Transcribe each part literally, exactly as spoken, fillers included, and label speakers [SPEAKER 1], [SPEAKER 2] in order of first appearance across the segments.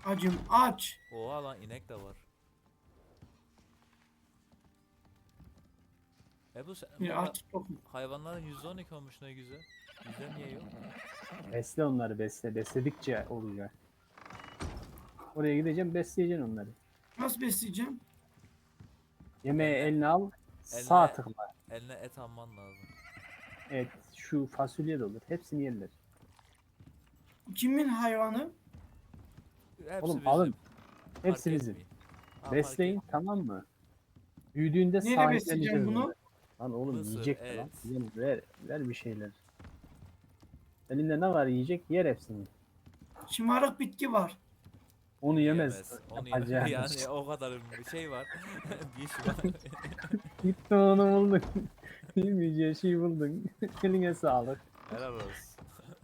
[SPEAKER 1] Acım aç.
[SPEAKER 2] Oha lan inek de var. E bu sen, bu
[SPEAKER 1] Bir
[SPEAKER 2] ha-
[SPEAKER 1] aç tokum.
[SPEAKER 2] hayvanların yüzde on iki olmuş ne güzel. Bizde niye yok?
[SPEAKER 3] Besle onları besle. Besledikçe olacak. Oraya gideceğim besleyeceksin onları.
[SPEAKER 1] Nasıl besleyeceğim?
[SPEAKER 3] Yemeği
[SPEAKER 2] Eline
[SPEAKER 3] eline al. Sağ
[SPEAKER 2] eline
[SPEAKER 3] tıkla.
[SPEAKER 2] eline et alman lazım.
[SPEAKER 3] Evet şu fasulye de olur. Hepsini yerler.
[SPEAKER 1] Kimin hayvanı?
[SPEAKER 2] Hepsi
[SPEAKER 3] Oğlum
[SPEAKER 2] bizim.
[SPEAKER 3] alın.
[SPEAKER 2] Fark
[SPEAKER 3] Hepsi bizim.
[SPEAKER 2] etmiyor. Ha, fark
[SPEAKER 3] Besleyin
[SPEAKER 2] etmiyor.
[SPEAKER 3] tamam mı? Büyüdüğünde
[SPEAKER 1] Neyle besleyeceğim
[SPEAKER 3] sahipleneceğiz
[SPEAKER 1] bunu?
[SPEAKER 3] onları. Lan oğlum
[SPEAKER 2] Mısır,
[SPEAKER 3] yiyecek de lan.
[SPEAKER 2] et.
[SPEAKER 3] Ver, ver, ver bir şeyler. Elinde ne var yiyecek yer hepsini.
[SPEAKER 1] Şımarık bitki var.
[SPEAKER 3] Onu yemez.
[SPEAKER 2] Yiyemez. Onu ye-
[SPEAKER 3] Yapacağın
[SPEAKER 2] yani
[SPEAKER 3] iş.
[SPEAKER 2] o kadar bir şey var. Bir iş var.
[SPEAKER 3] Gitti onu buldun. Yemeyeceğin şey buldun. Eline sağlık.
[SPEAKER 2] Helal olsun.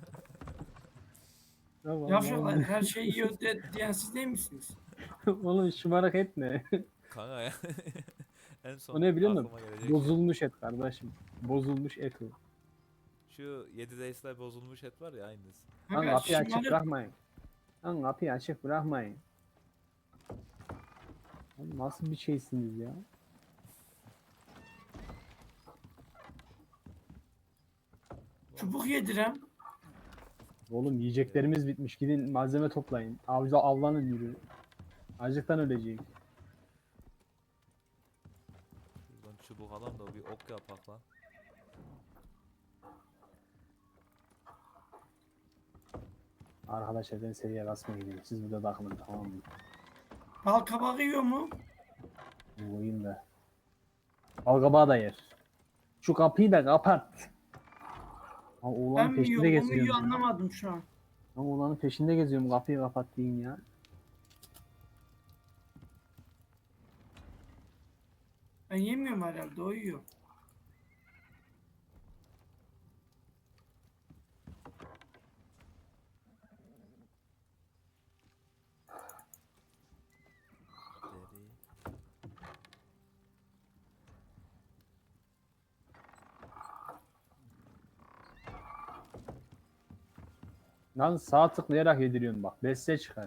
[SPEAKER 3] Tamam,
[SPEAKER 1] Yavşaklar
[SPEAKER 3] oğlum.
[SPEAKER 1] her şeyi yiyor de, diyen siz değil misiniz?
[SPEAKER 3] Oğlum şımarık etme.
[SPEAKER 2] Kanka ya. En son
[SPEAKER 3] O ne biliyor musun?
[SPEAKER 2] aklıma gelecek şey.
[SPEAKER 3] Bozulmuş et kardeşim. Bozulmuş et o.
[SPEAKER 2] Şu yedi Days'ler bozulmuş et var ya aynısı.
[SPEAKER 3] Lan
[SPEAKER 1] Kanka
[SPEAKER 3] kapıyı açık
[SPEAKER 1] şımarık
[SPEAKER 3] bırakmayın. Lan kapıyı açık bırakmayın. Lan nasıl bir şeysiniz ya?
[SPEAKER 1] çubuk yedirem.
[SPEAKER 3] Oğlum yiyeceklerimiz bitmiş. Gidin malzeme toplayın. Avcı avlanın yürü. Acıktan ölecek.
[SPEAKER 2] Şuradan çubuk alalım da bir ok yapak lan.
[SPEAKER 3] Arkadaşlar ben seviye basmaya gidiyorum. Siz burada takılın tamam mı?
[SPEAKER 1] Bal kabağı yiyor mu?
[SPEAKER 3] Bu oyun da. Balgabağı da yer. Şu kapıyı da kapat. Lan
[SPEAKER 1] Ben
[SPEAKER 3] oğlanın
[SPEAKER 1] mi
[SPEAKER 3] peşinde
[SPEAKER 1] yiyorum o mu yiyor
[SPEAKER 3] geziyorum. Ya.
[SPEAKER 1] anlamadım şu an.
[SPEAKER 3] Lan oğlanın peşinde geziyorum. Kapıyı kapat deyin ya.
[SPEAKER 1] Ben yemiyorum herhalde o yiyor.
[SPEAKER 2] Deri.
[SPEAKER 3] Lan sağ tıklayarak yediriyorum bak. Besle çıkar.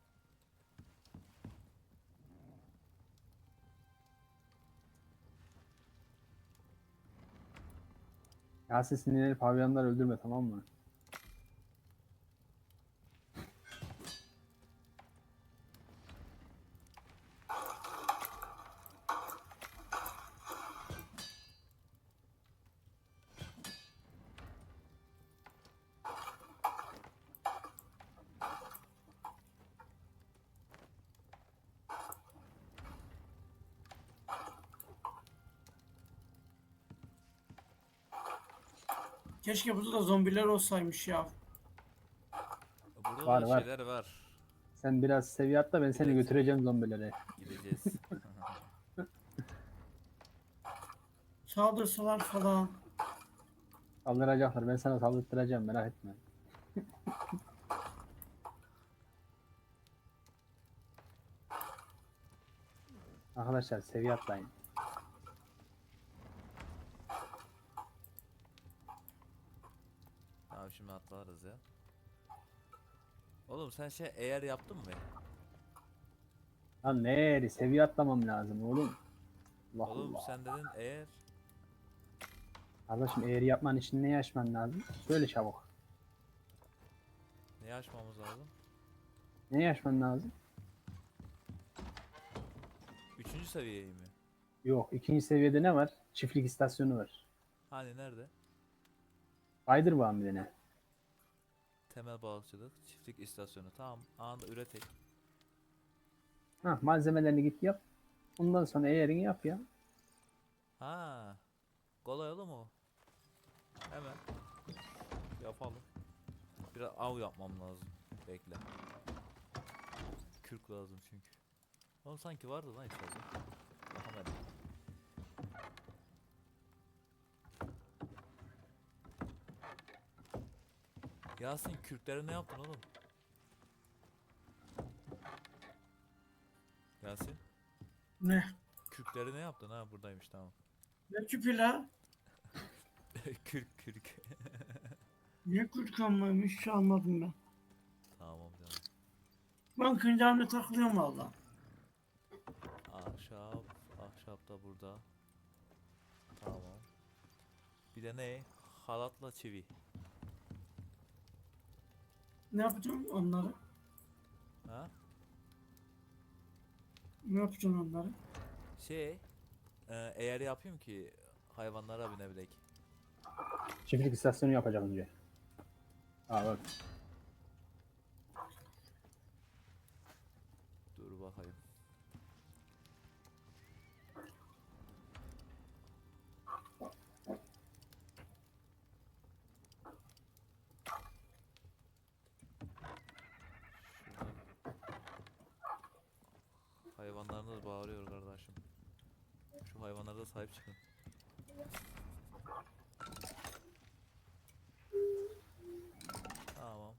[SPEAKER 3] Yasin sinirleri pavyonlar öldürme tamam mı?
[SPEAKER 1] Keşke burada da zombiler olsaymış ya.
[SPEAKER 2] Burada
[SPEAKER 3] Var,
[SPEAKER 2] da
[SPEAKER 3] var.
[SPEAKER 2] şeyler var.
[SPEAKER 3] Sen biraz seviye atla ben seni
[SPEAKER 2] Direkt-
[SPEAKER 3] götüreceğim zombilere.
[SPEAKER 2] Gideceğiz.
[SPEAKER 1] Saldırsalar falan.
[SPEAKER 3] Saldıracaklar. Ben sana saldırtıracağım merak etme. Arkadaşlar seviye atlayın.
[SPEAKER 2] Tamam şimdi atlarız ya. Oğlum sen şey eğer yaptın mı?
[SPEAKER 3] Lan ne seviye atlamam lazım oğlum. Allah
[SPEAKER 2] Oğlum
[SPEAKER 3] Allah.
[SPEAKER 2] sen dedin eğer.
[SPEAKER 3] Kardeşim eğer yapman için ne yaşman lazım? Söyle çabuk.
[SPEAKER 2] Ne açmamız lazım?
[SPEAKER 3] Ne yaşman lazım?
[SPEAKER 2] Üçüncü seviyeyi mi?
[SPEAKER 3] Yok ikinci seviyede ne var? Çiftlik istasyonu var.
[SPEAKER 2] Hani nerede?
[SPEAKER 3] Baydır bağım bir de ne?
[SPEAKER 2] Temel balıkçılık, çiftlik istasyonu. Tamam, anında üretek.
[SPEAKER 3] Hah malzemelerini git yap. Ondan sonra eğerini yap ya.
[SPEAKER 2] Ha, kolay oğlum o. Hemen yapalım. Biraz av yapmam lazım. Bekle. Kürk lazım çünkü. Oğlum sanki vardı lan içeride. Bakamadım. Yasin kürklere ne yaptın oğlum? Yasin
[SPEAKER 1] Ne?
[SPEAKER 2] kürkleri ne yaptın ha buradaymış tamam.
[SPEAKER 1] Ne küpü la?
[SPEAKER 2] Kürk kürk.
[SPEAKER 1] Ne kurt kanmaymış hiç almadım ben.
[SPEAKER 2] Tamam canım.
[SPEAKER 1] Ben kendi halimle takılıyorum valla.
[SPEAKER 2] Ahşap. Ahşap da burada. Tamam. Bir de ne? Halatla çivi.
[SPEAKER 1] Ne yapacağım onları?
[SPEAKER 2] Ha?
[SPEAKER 1] Ne yapacaksın onları?
[SPEAKER 2] Şey. E, eğer yapayım ki hayvanlara binebilek.
[SPEAKER 3] Çiftlik istasyonu yapacak önce. Aa bak.
[SPEAKER 2] Dur bakayım. Şuradan. Hayvanlarınız bağırıyor kardeşim. Şu hayvanlara da sahip çıkın. Tamam.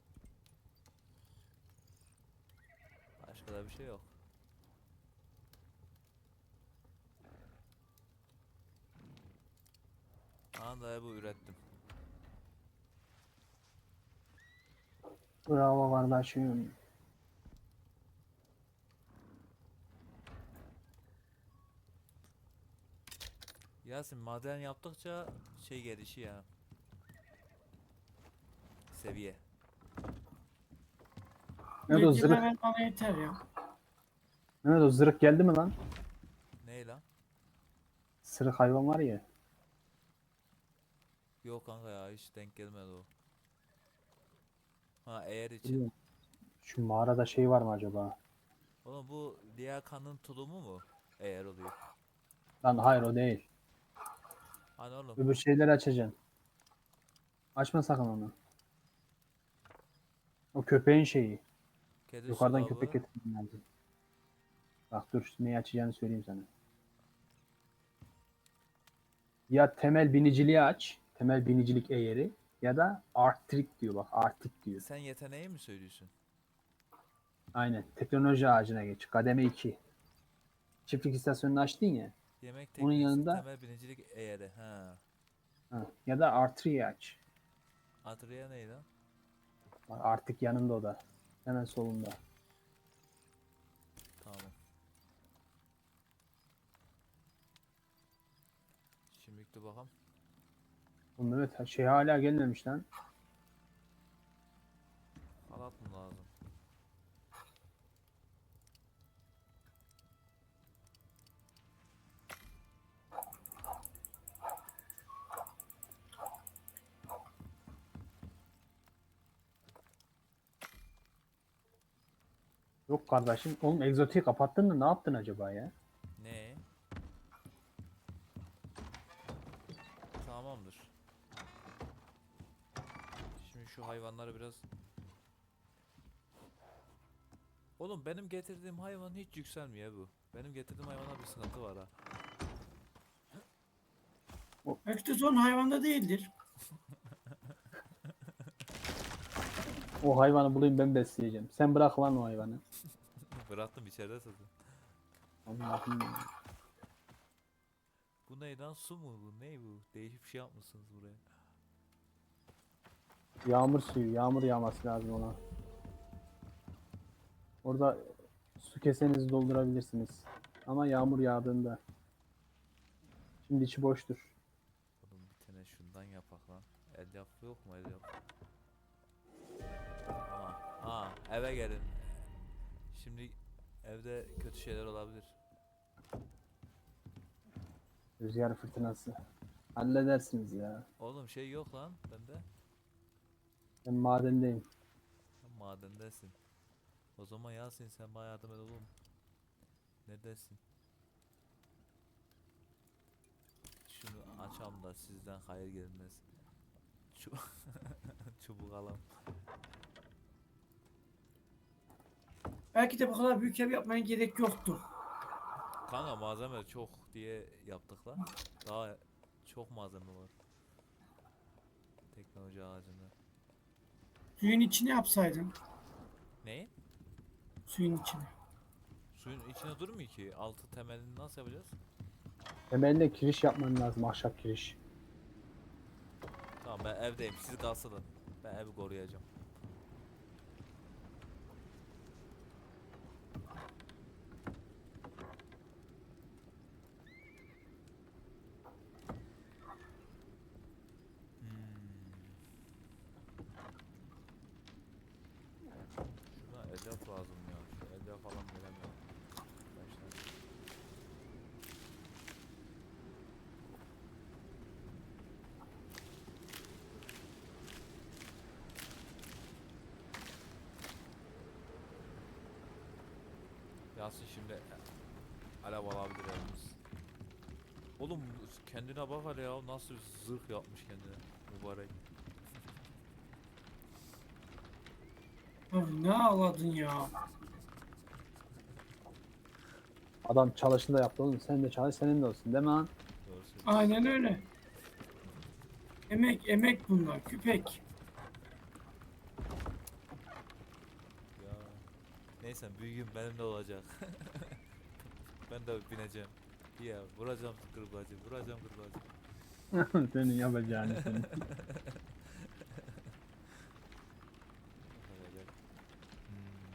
[SPEAKER 2] Başka da bir şey yok. Anda bu ürettim.
[SPEAKER 3] Bravo kardeşim.
[SPEAKER 2] Yasin maden yaptıkça şey gelişi ya. Seviye.
[SPEAKER 3] Mehmet o
[SPEAKER 1] Yetkiler
[SPEAKER 3] zırh.
[SPEAKER 1] ver bana yeter ya.
[SPEAKER 3] Mehmet o zırh geldi mi lan?
[SPEAKER 2] Ne lan?
[SPEAKER 3] Sırık hayvan var ya.
[SPEAKER 2] Yok kanka ya hiç denk gelmedi o. Ha eğer için.
[SPEAKER 3] Bilmiyorum. Şu mağarada şey var mı acaba?
[SPEAKER 2] Oğlum bu liyakanın tulumu mu? Eğer oluyor.
[SPEAKER 3] Lan hayır o değil.
[SPEAKER 2] Hani oğlum
[SPEAKER 3] Öbür şeyleri açacaksın. Açma sakın onu. O köpeğin şeyi.
[SPEAKER 2] kedi
[SPEAKER 3] Yukarıdan
[SPEAKER 2] su
[SPEAKER 3] köpek
[SPEAKER 2] kabı.
[SPEAKER 3] getirmen lazım. Bak dur neyi açacağını söyleyeyim sana. Ya temel biniciliği aç. Temel binicilik eğeri. Ya da artrik diyor bak. Artik diyor.
[SPEAKER 2] Sen yeteneği mi söylüyorsun?
[SPEAKER 3] Aynen. Teknoloji ağacına geç. Kademe iki. Çiftlik istasyonunu açtın ya.
[SPEAKER 2] Yemek
[SPEAKER 3] Onun
[SPEAKER 2] teknesi
[SPEAKER 3] yanında-
[SPEAKER 2] temel binicilik eğeri. Ha.
[SPEAKER 3] Ha. Ya da artriyi aç.
[SPEAKER 2] Adria neydi lan?
[SPEAKER 3] Bak, artık yanında o da. Hemen solunda.
[SPEAKER 2] Tamam. Şimdi de bakalım.
[SPEAKER 3] Oğlum evet şey hala gelmemiş lan.
[SPEAKER 2] Halat mı lazım?
[SPEAKER 3] Yok kardeşim. Oğlum egzotiği kapattın da ne yaptın acaba ya?
[SPEAKER 2] Ne? Tamamdır. Şimdi şu hayvanları biraz... Oğlum benim getirdiğim hayvan hiç yükselmiyor bu. Benim getirdiğim hayvana bir sıkıntı var ha.
[SPEAKER 1] Belki de son hayvanda değildir.
[SPEAKER 3] O hayvanı bulayım ben besleyeceğim. Sen bırak lan o hayvanı.
[SPEAKER 2] Bıraktım içeride zaten.
[SPEAKER 3] Allah'ım.
[SPEAKER 2] Bu ne lan, su mu bu? Ne bu? Değişik bir şey yapmışsınız buraya.
[SPEAKER 3] Yağmur suyu. Yağmur yağması lazım ona. Orada su kesenizi doldurabilirsiniz. Ama yağmur yağdığında. Şimdi içi boştur.
[SPEAKER 2] Oğlum bir tane şundan yapak lan. El yapı yok mu el yapı? Aa, aa eve gelin. Şimdi evde kötü şeyler olabilir.
[SPEAKER 3] Rüzgar fırtınası. Halledersiniz ya.
[SPEAKER 2] Oğlum şey yok lan bende.
[SPEAKER 3] Ben madendeyim.
[SPEAKER 2] Sen madendesin. O zaman Yasin sen bana yardım et oğlum. Ne dersin? Şunu açalım da sizden hayır gelmez. Çu Çubuk alalım.
[SPEAKER 1] Belki de bu kadar büyük ev yapmaya gerek yoktu.
[SPEAKER 2] Kanka malzeme çok diye yaptık lan. Daha çok malzeme var. Teknoloji ağacında.
[SPEAKER 1] Suyun içine yapsaydın.
[SPEAKER 2] Ne?
[SPEAKER 1] Suyun içine.
[SPEAKER 2] Suyun içine durmuyor ki. Altı temelini nasıl yapacağız?
[SPEAKER 3] Temelinde kiriş yapman lazım. Ahşap kiriş.
[SPEAKER 2] Tamam ben evdeyim. Siz kalsın. Ben evi koruyacağım. elyaf lazım ya. Şu elyaf falan veremiyorum. Arkadaşlar. Yasin şimdi alev alabilir elimiz. Oğlum kendine bak hele ya, nasıl zırh yapmış kendine mübarek.
[SPEAKER 1] Abi ne ağladın ya?
[SPEAKER 3] Adam çalışında yaptı oğlum. Sen de çalış, senin de olsun değil mi lan?
[SPEAKER 2] Doğru söylüyorsun.
[SPEAKER 1] Aynen öyle. Emek emek bunlar. Küpek.
[SPEAKER 2] Ya. Neyse büyüğüm benim de olacak. Ben de bineceğim. Ya vuracağım kırbacı, vuracağım kırbacı.
[SPEAKER 3] Senin yapacağını senin.
[SPEAKER 2] Olacak. Hmm.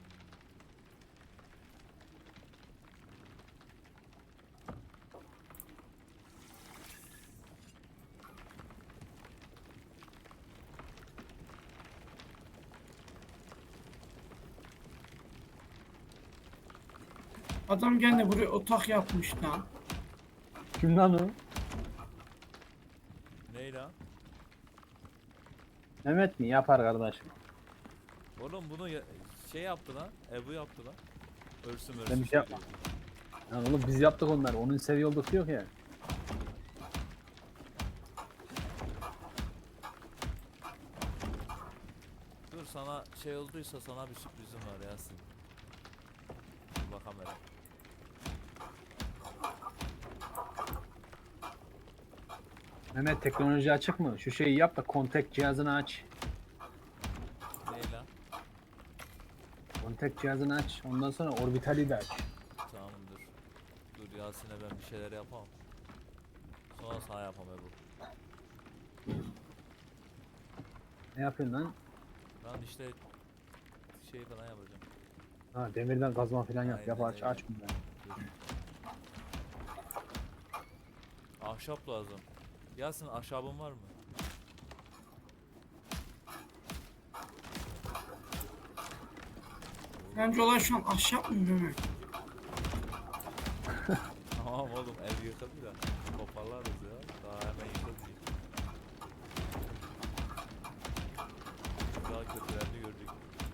[SPEAKER 1] Adam gene buraya otak yapmış lan.
[SPEAKER 3] Kim lan o?
[SPEAKER 2] Ney lan?
[SPEAKER 3] Mehmet mi? Yapar kardeşim.
[SPEAKER 2] Oğlum bunu ya- şey yaptı lan. Ebu yaptı lan. Örsüm
[SPEAKER 3] Ben
[SPEAKER 2] örsüm.
[SPEAKER 3] bir şey yapmam. Lan oğlum biz yaptık onları. Onun seviye olduk yok ya.
[SPEAKER 2] Dur sana şey olduysa sana bir sürprizim var Yasin. Dur bakalım hele.
[SPEAKER 3] Mehmet teknoloji açık mı? Şu şeyi yap da kontak cihazını aç.
[SPEAKER 2] Ney lan?
[SPEAKER 3] Kontak cihazını aç. Ondan sonra orbitali de aç.
[SPEAKER 2] Tamam dur. Dur Yasin'e ben bir şeyler yapamam. Sonra sana yapam Ebu.
[SPEAKER 3] Ne yapıyorsun lan?
[SPEAKER 2] Ben işte şey falan yapacağım.
[SPEAKER 3] Ha demirden kazma falan yap.
[SPEAKER 2] Aynen
[SPEAKER 3] Yap aç
[SPEAKER 2] öyle.
[SPEAKER 3] aç bunları.
[SPEAKER 2] Dur. Ahşap lazım. Yasin ahşabın var mı?
[SPEAKER 1] Bence olay şu an ahşap mı Mehmet?
[SPEAKER 2] Tamam oğlum ev yıkıldı da toparlarız ya. Daha hemen yıkıldı. Daha kötülerini gördük.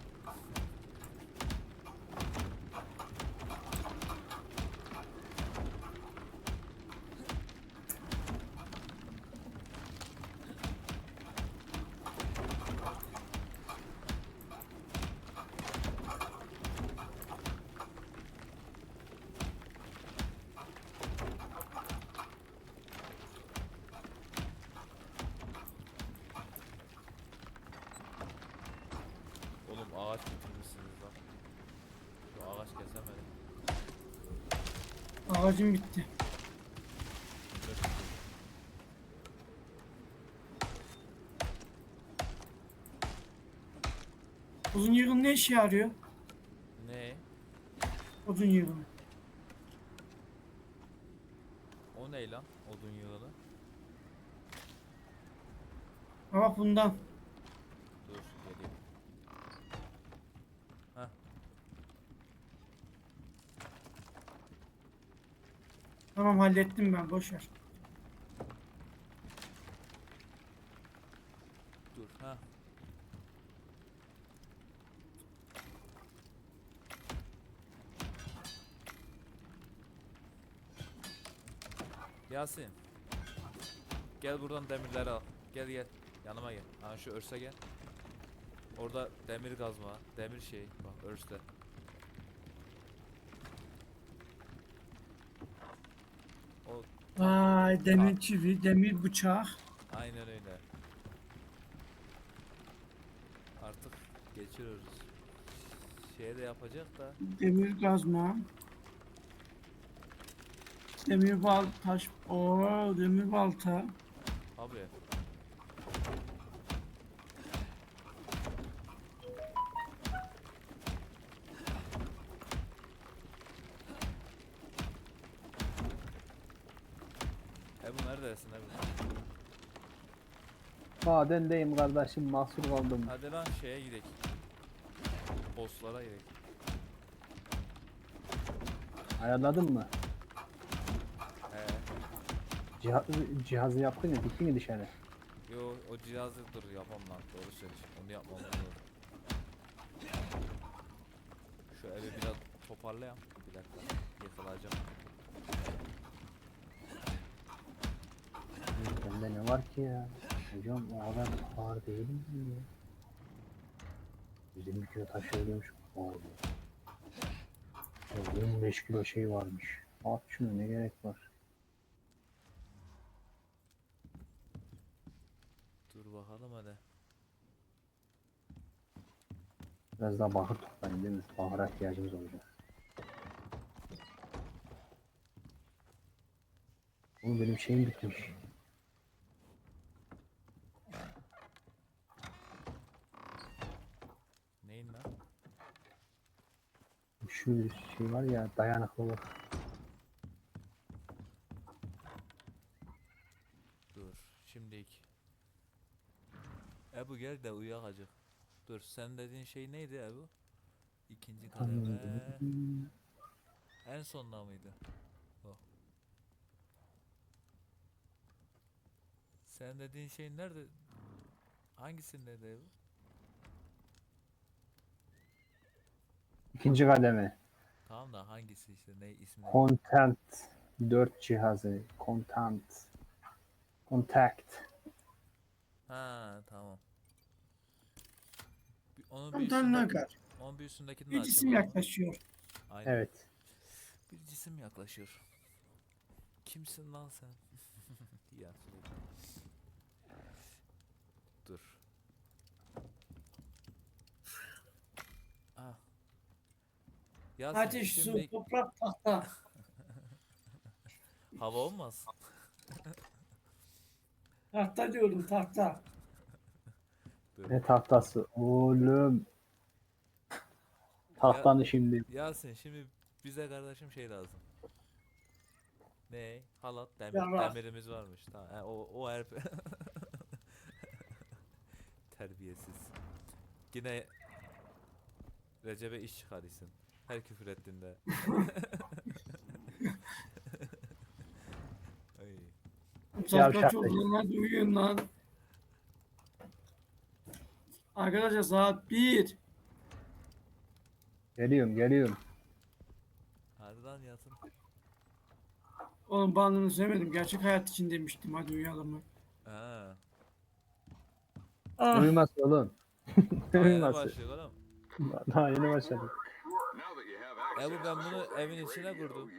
[SPEAKER 2] Oğlum ağaç bitirmişsiniz lan. Şu ağaç kesemedim.
[SPEAKER 1] Ağacım bitti. Uzun yığın ne işe yarıyor?
[SPEAKER 2] Ne?
[SPEAKER 1] Uzun yığın.
[SPEAKER 2] O ne lan? Odun yığını.
[SPEAKER 1] Ama bundan.
[SPEAKER 2] Dur geleyim. Heh.
[SPEAKER 1] Tamam hallettim ben boş ver.
[SPEAKER 2] Dur ha. Yasin. Gel buradan demirleri al. Gel gel. Yanıma gel. Ha şu örse gel. Orada demir kazma, demir şey. Bak örste. O
[SPEAKER 1] Vay demir çivi, demir bıçak.
[SPEAKER 2] aynen öyle. Artık geçiyoruz. Şeye de yapacak da.
[SPEAKER 1] Demir kazma. Demir bal taş. Oo demir balta.
[SPEAKER 2] Abi. Ebu neredesin Ebu?
[SPEAKER 3] Madendeyim kardeşim mahsur kaldım.
[SPEAKER 2] Hadi lan şeye gidelim. bosslara gerek.
[SPEAKER 3] Ayarladın mı?
[SPEAKER 2] He.
[SPEAKER 3] Cihaz, cihazı yaptın ya, diktin mi dışarı?
[SPEAKER 2] Yo o cihazı dur yapmam lan. Doğru söylüyorsun. Onu yapmam lazım. Şu evi biraz toparlayayım. Bir dakika. Yakalayacağım.
[SPEAKER 3] Bende ne var ki ya? Hocam o kadar ağır değil mi ya? yirmi kilo taşıyormuş. Oldu. on beş kilo şey varmış. At şunu, ne gerek var?
[SPEAKER 2] Dur bakalım hadi.
[SPEAKER 3] Biraz daha bahır toplayın değil mi? Bahıra ihtiyacımız olacak. Oğlum benim şeyim bitmiş.
[SPEAKER 2] Neyin lan?
[SPEAKER 3] Şu şey var ya, dayanıklılık.
[SPEAKER 2] Dur. Şimdilik. Ebu gel de uyak acık. Dur sen dediğin şey neydi Ebu? İkinci kademe. En sonda mıydı? O. Sen dediğin şey nerede? Hangisindeydi Ebu?
[SPEAKER 3] İkinci kademe.
[SPEAKER 2] Tamam da hangisi işte ne ismi? ne?
[SPEAKER 3] Content dört cihazı. Content. Contact.
[SPEAKER 2] Ha tamam. Bir- Onun bir
[SPEAKER 1] Komutan ne
[SPEAKER 2] üstünde,
[SPEAKER 1] kadar?
[SPEAKER 2] onun bir üstündekini de
[SPEAKER 1] Bir cisim
[SPEAKER 2] açayım o zaman.
[SPEAKER 1] yaklaşıyor.
[SPEAKER 2] Aynen.
[SPEAKER 3] Evet.
[SPEAKER 2] Bir cisim yaklaşıyor. Kimsin lan sen? Ya söyle. Dur. Ah. Yasin
[SPEAKER 1] Ateş, su,
[SPEAKER 2] şimdi
[SPEAKER 1] toprak, tahta.
[SPEAKER 2] hava olmaz.
[SPEAKER 1] Tahta diyorum, tahta.
[SPEAKER 2] Dur.
[SPEAKER 3] Ne tahtası? Oğlum. Tahtanı şimdi.
[SPEAKER 2] Yasin şimdi bize kardeşim şey lazım. Ne? Halat, demir,
[SPEAKER 1] Yarrak.
[SPEAKER 2] demirimiz varmış. Tamam. he, o o her terbiyesiz. Yine Recep'e iş çıkarırsın. Her küfür ettiğinde. Ay.
[SPEAKER 1] Saat
[SPEAKER 3] Yavşak
[SPEAKER 1] kaç
[SPEAKER 3] da-
[SPEAKER 1] oldu lan? Hadi uyuyun lan. Arkadaşlar saat bir.
[SPEAKER 3] Geliyorum, geliyorum.
[SPEAKER 2] Hadi lan Yasin.
[SPEAKER 1] Oğlum bandını sevmedim. Gerçek hayat için demiştim. Hadi uyuyalım mı?
[SPEAKER 2] Ha.
[SPEAKER 1] Ah.
[SPEAKER 3] Uyuması oğlum.
[SPEAKER 2] Daha yeni
[SPEAKER 3] Uyuması.
[SPEAKER 2] başlıyor oğlum.
[SPEAKER 3] Daha yeni başladık.
[SPEAKER 2] Ebu ben bunu evin içine kurdum.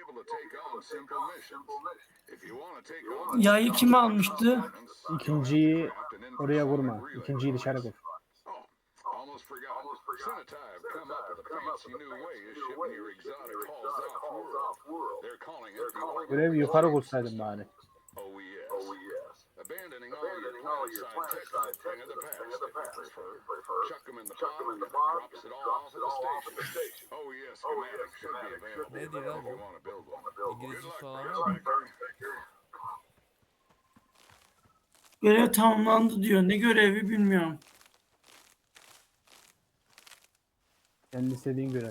[SPEAKER 1] Yayı kim almıştı?
[SPEAKER 3] İkinciyi oraya vurma. İkinciyi dışarı kur.
[SPEAKER 4] Almost forgot. Senatide come up with a fancy new way of shipping your exotic halls off-world. They're calling it the Organ
[SPEAKER 3] Görev yukarı kursaydın bari.
[SPEAKER 4] Oh yes. Oh yes. Abandoning all your planet-side tech is a thing of the past, if you prefer. Chuck them in the pod and it drops it all off at the station. Oh yes, schematics should be available
[SPEAKER 2] Ne
[SPEAKER 4] if
[SPEAKER 2] diyor lan
[SPEAKER 4] you
[SPEAKER 2] bu?
[SPEAKER 4] want to build one.
[SPEAKER 2] İngilizce
[SPEAKER 4] Good luck,
[SPEAKER 2] falan var mı?
[SPEAKER 4] Prospector.
[SPEAKER 1] Görev tamamlandı diyor. Ne görevi bilmiyorum.
[SPEAKER 3] Kendi istediğin görev.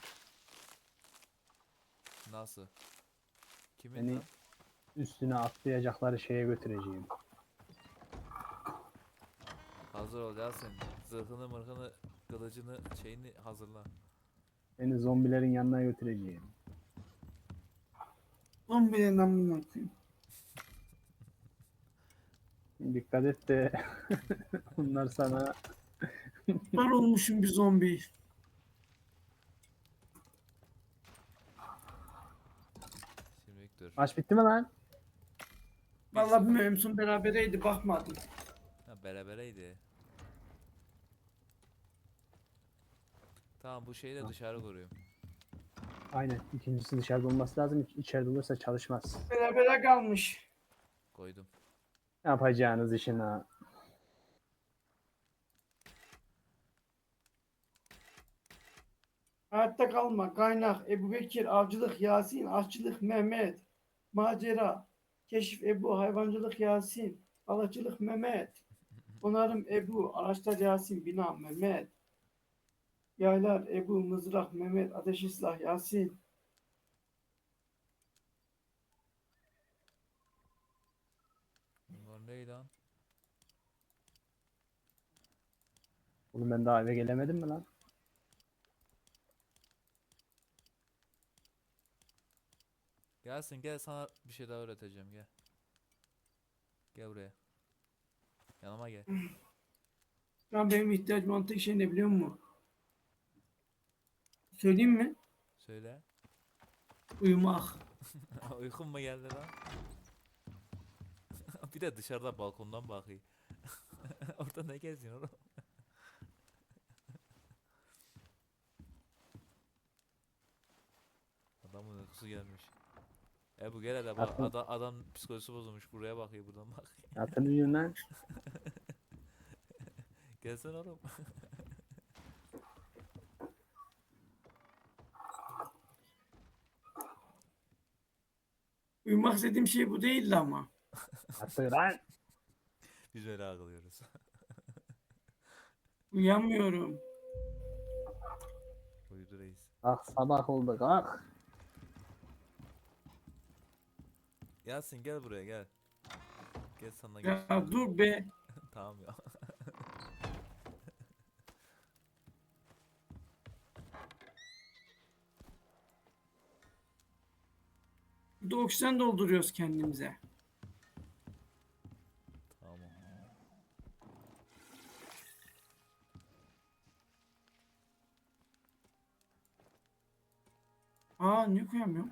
[SPEAKER 2] Nasıl? Kimin
[SPEAKER 3] Beni
[SPEAKER 2] lan?
[SPEAKER 3] üstüne atlayacakları şeye götüreceğim.
[SPEAKER 2] Hazır ol Yasin. Zırhını mırhını kılıcını şeyini hazırla.
[SPEAKER 3] Beni zombilerin yanına götüreceğim.
[SPEAKER 1] On birinden bunu okuyayım.
[SPEAKER 3] Dikkat et de bunlar sana
[SPEAKER 1] Ben olmuşum bir zombi.
[SPEAKER 2] Şimdi dur.
[SPEAKER 3] maç bitti mi lan?
[SPEAKER 1] Vallahi bilmiyorum. En son berabereydi. Bakmadım.
[SPEAKER 2] Ha berabereydi. Tamam bu şeyi de dışarı koruyorum.
[SPEAKER 3] Aynen. İkincisi dışarıda olması lazım. İç- İçeride olursa çalışmaz.
[SPEAKER 1] Berabere kalmış.
[SPEAKER 2] Koydum.
[SPEAKER 3] Ne yapacağınız işin ha?
[SPEAKER 1] Hayatta kalma. Kaynak. Ebu Bekir. Avcılık. Yasin. Aşçılık. Mehmet. Macera. Keşif. Ebu. Hayvancılık. Yasin. Balıkçılık. Mehmet. Onarım. Ebu. Araçlar. Yasin. Bina. Mehmet. Yaylar, Ebu, Mızrak, Mehmet, Ateşli Silah, Yasin.
[SPEAKER 2] Bunlar ne lan?
[SPEAKER 3] Oğlum ben daha eve gelemedim mi lan?
[SPEAKER 2] Gelsin gel sana bir şey daha öğreteceğim gel. Gel buraya. Yanıma gel.
[SPEAKER 1] Şu an benim ihtiyacım olan tek şey ne biliyor musun? Söyleyeyim mi?
[SPEAKER 2] Söyle.
[SPEAKER 1] Uyumak.
[SPEAKER 2] Uykun mu geldi lan? Bir de dışarıda balkondan bakıyor. Orada ne geziyorsun oğlum? Adamın uykusu gelmiş. E bu gel hele bak
[SPEAKER 3] Aklım-
[SPEAKER 2] adam, adam psikolojisi bozulmuş buraya bakıyor buradan bakıyor.
[SPEAKER 3] Yatın uyuyun lan.
[SPEAKER 2] Gelsene oğlum.
[SPEAKER 1] Uyumak istediğim şey bu değildi ama.
[SPEAKER 3] Yatın lan.
[SPEAKER 2] Biz öyle ağlıyoruz.
[SPEAKER 1] Uyuyamıyorum.
[SPEAKER 2] Uyudu reis.
[SPEAKER 3] Kalk sabah oldu kalk.
[SPEAKER 2] Yasin gel buraya gel. Gel sana gel.
[SPEAKER 1] Ya dur be.
[SPEAKER 2] Tamam ya.
[SPEAKER 1] Burada oksijen dolduruyoruz kendimize.
[SPEAKER 2] Tamam.
[SPEAKER 1] Aa niye koyamıyorum?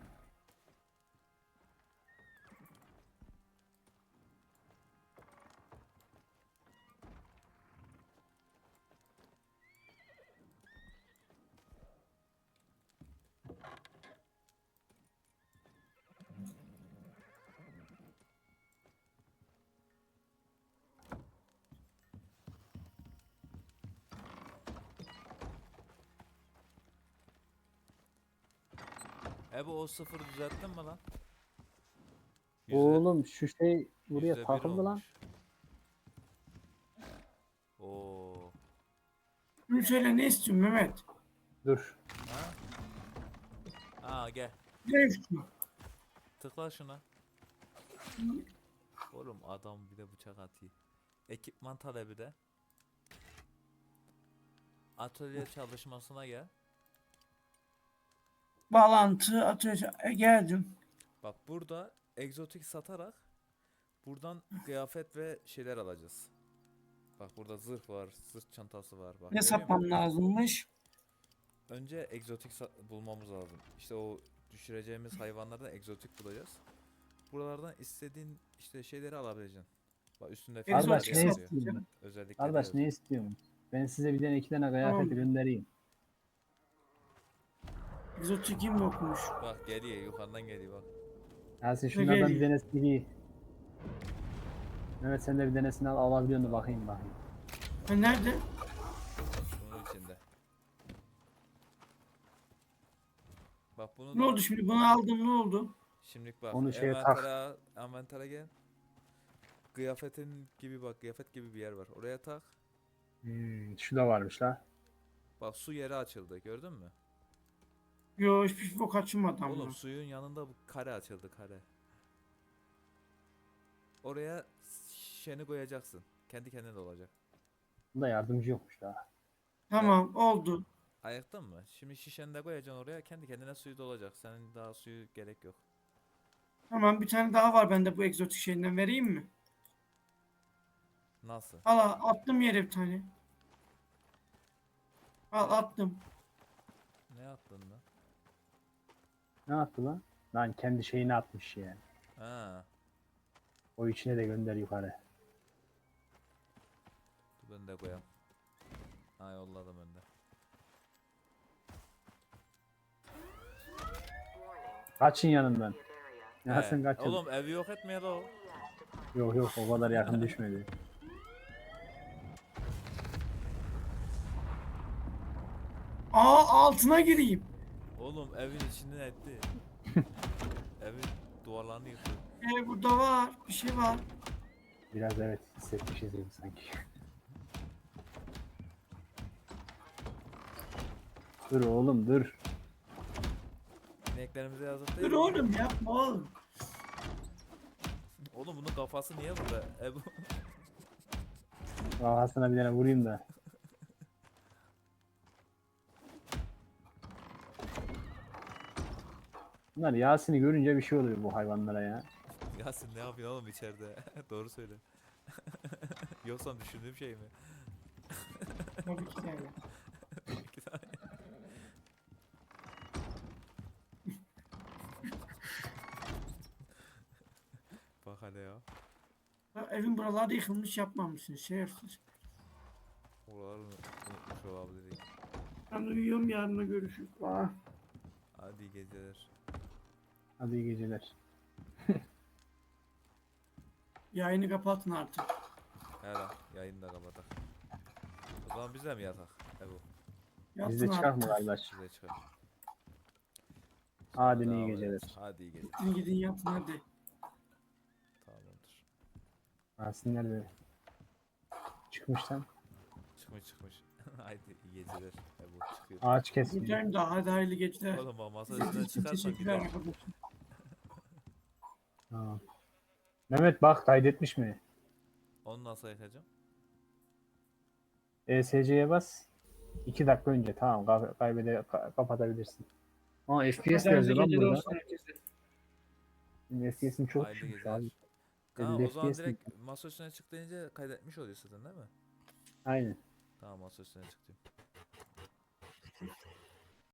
[SPEAKER 2] E bu o sıfırı düzelttin mi lan? Yüzde-
[SPEAKER 3] Oğlum şu şey buraya
[SPEAKER 2] yüzde bir
[SPEAKER 3] takıldı lan.
[SPEAKER 2] olmuş. Oo.
[SPEAKER 1] Bunu söyle ne istiyorsun Mehmet?
[SPEAKER 3] Dur.
[SPEAKER 2] Ha? Aa gel.
[SPEAKER 1] Ne istiyorsun?
[SPEAKER 2] Tıkla şuna. Oğlum adam bir de bıçak atıyor. Ekipman talebi de. Atölye çalışmasına gel.
[SPEAKER 1] Bağlantı atıyor. E, geldim.
[SPEAKER 2] Bak burada egzotik satarak buradan kıyafet ve şeyler alacağız. Bak burada zırh var, sırt çantası var. Bak,
[SPEAKER 1] Ne
[SPEAKER 2] görüyor
[SPEAKER 1] satmam
[SPEAKER 2] musun?
[SPEAKER 1] lazımmış?
[SPEAKER 2] Önce egzotik sa- bulmamız lazım. İşte o düşüreceğimiz hayvanlardan egzotik bulacağız. Buralardan istediğin işte şeyleri alabileceksin. Bak üstünde fiyatlar
[SPEAKER 3] Kardeş
[SPEAKER 1] Egzotik
[SPEAKER 3] ne
[SPEAKER 2] yazıyor.
[SPEAKER 1] satacağım.
[SPEAKER 3] istiyorsun?
[SPEAKER 2] Özellikle
[SPEAKER 3] Kardeş ne istiyorsun? Ben size bir tane iki tane kıyafet
[SPEAKER 1] Tamam.
[SPEAKER 3] göndereyim.
[SPEAKER 1] Egzotik kim okumuş?
[SPEAKER 2] Bak geliyor yukarıdan geliyor bak.
[SPEAKER 3] Yasin şunlardan bir
[SPEAKER 1] geliyor?
[SPEAKER 3] tanesini giy. Mehmet sen de bir tanesini al alabiliyor musun bakayım bakayım.
[SPEAKER 1] Ha nerede?
[SPEAKER 2] Bunun içinde. Bak bunu
[SPEAKER 1] Ne
[SPEAKER 2] da
[SPEAKER 1] oldu şimdi? Bunu aldım ne oldu?
[SPEAKER 2] şimdilik bak.
[SPEAKER 3] Onu şeye tak.
[SPEAKER 2] envantere, envantere gel. Kıyafetin gibi bak kıyafet gibi bir yer var. Oraya tak.
[SPEAKER 3] Hmm, şu da varmış la.
[SPEAKER 2] Bak su yeri açıldı gördün mü?
[SPEAKER 1] Yo hiçbir bok açılmadı ama.
[SPEAKER 2] Oğlum suyun yanında bu kare açıldı kare. Oraya şişeni koyacaksın. Kendi kendine dolacak.
[SPEAKER 3] Bunda yardımcı yokmuş la.
[SPEAKER 1] Tamam oldu.
[SPEAKER 2] Ayıktın mı? Şimdi şişeni de koyacaksın oraya kendi kendine suyu dolacak. Senin daha suyu gerek yok.
[SPEAKER 1] Tamam bir tane daha var bende bu egzotik şeyinden vereyim mi?
[SPEAKER 2] Nasıl?
[SPEAKER 1] Al al, attım yere bir tane. Al attım.
[SPEAKER 2] Ne yaptın lan?
[SPEAKER 3] Ne yaptı lan? Lan kendi şeyini atmış yani.
[SPEAKER 2] Ha,
[SPEAKER 3] O içine de gönder yukarı.
[SPEAKER 2] dur ben de koyayım. Ha yolladım ben de.
[SPEAKER 3] Kaçın yanından. Yasin
[SPEAKER 2] He,
[SPEAKER 3] kaçın.
[SPEAKER 2] Oğlum evi yok etmeye la o.
[SPEAKER 3] Yok yok o kadar yakın düşmedi.
[SPEAKER 1] Aa altına gireyim.
[SPEAKER 2] Oğlum evin içinden etti. Evin duvarlarını yıktı.
[SPEAKER 1] Ee, burada var. Bir şey var.
[SPEAKER 3] Biraz evet hissetmişiz gibi sanki. Dur oğlum dur.
[SPEAKER 2] İneklerimize yazık değil
[SPEAKER 1] Dur
[SPEAKER 2] mi?
[SPEAKER 1] oğlum yapma oğlum.
[SPEAKER 2] Oğlum bunun kafası niye burada? Ebu.
[SPEAKER 3] Kafasına bir tane vurayım da. Bunlar Yasin'i görünce bir şey oluyor bu hayvanlara ya.
[SPEAKER 2] Yasin ne yapıyorsun oğlum içeride? Doğru söyle. Yoksa düşündüğüm şey mi?
[SPEAKER 1] Tabii ki yani.
[SPEAKER 2] İki tane. Bak hele ya.
[SPEAKER 1] Ya evin buraları yıkılmış yapmamışsın şerefsiz.
[SPEAKER 2] Oraları unut- unutmuş olabilir.
[SPEAKER 1] Ben uyuyorum yarına görüşürüz. Aa.
[SPEAKER 2] Hadi iyi geceler.
[SPEAKER 3] Hadi iyi geceler.
[SPEAKER 1] Yayını kapatın artık.
[SPEAKER 2] He lan yayını da kapatak. O zaman biz de mi yatak? Ebu.
[SPEAKER 1] Yatın
[SPEAKER 3] Bizde çıkar mı
[SPEAKER 1] artık.
[SPEAKER 3] kardeş?
[SPEAKER 2] Bize çıkar.
[SPEAKER 3] Hadi
[SPEAKER 2] Sonra
[SPEAKER 3] iyi
[SPEAKER 2] devam
[SPEAKER 3] geceler.
[SPEAKER 2] ederiz. Hadi iyi geceler.
[SPEAKER 1] Gidin gidin yatın hadi.
[SPEAKER 2] Tamamdır.
[SPEAKER 3] Yasin nerede? Çıkmış lan.
[SPEAKER 2] Çıkmış çıkmış. Haydi iyi geceler. Ebu çıkıyor.
[SPEAKER 3] Ağaç kesmiş.
[SPEAKER 1] Buradayım da hadi hayırlı geceler.
[SPEAKER 2] Oğlum bak masa
[SPEAKER 1] İzlediğiniz
[SPEAKER 2] üstüne
[SPEAKER 1] için
[SPEAKER 2] çıkarsan
[SPEAKER 1] teşekkürler
[SPEAKER 2] gider.
[SPEAKER 1] arkadaşlar.
[SPEAKER 3] Tamam. Mehmet bak kaydetmiş mi?
[SPEAKER 2] Onu nasıl yakacağım?
[SPEAKER 3] E S C'ye bas. iki dakika önce tamam kay- kaybede ka- kapatabilirsin. Aa F P S
[SPEAKER 1] Hadi
[SPEAKER 3] yazıyor
[SPEAKER 1] hayırlı
[SPEAKER 3] lan
[SPEAKER 1] geceler
[SPEAKER 3] burada.
[SPEAKER 1] olsun herkese.
[SPEAKER 3] Benim F P S'im çok
[SPEAKER 2] Hayırlı
[SPEAKER 3] düşmüş
[SPEAKER 2] geceler.
[SPEAKER 3] abi.
[SPEAKER 2] Kaan
[SPEAKER 3] elli
[SPEAKER 2] o zaman
[SPEAKER 3] F P S
[SPEAKER 2] direkt masa üstüne çık deyince kaydetmiş oluyor zaten değil mi?
[SPEAKER 3] Aynen.
[SPEAKER 2] Tamam masa üstüne çıktım.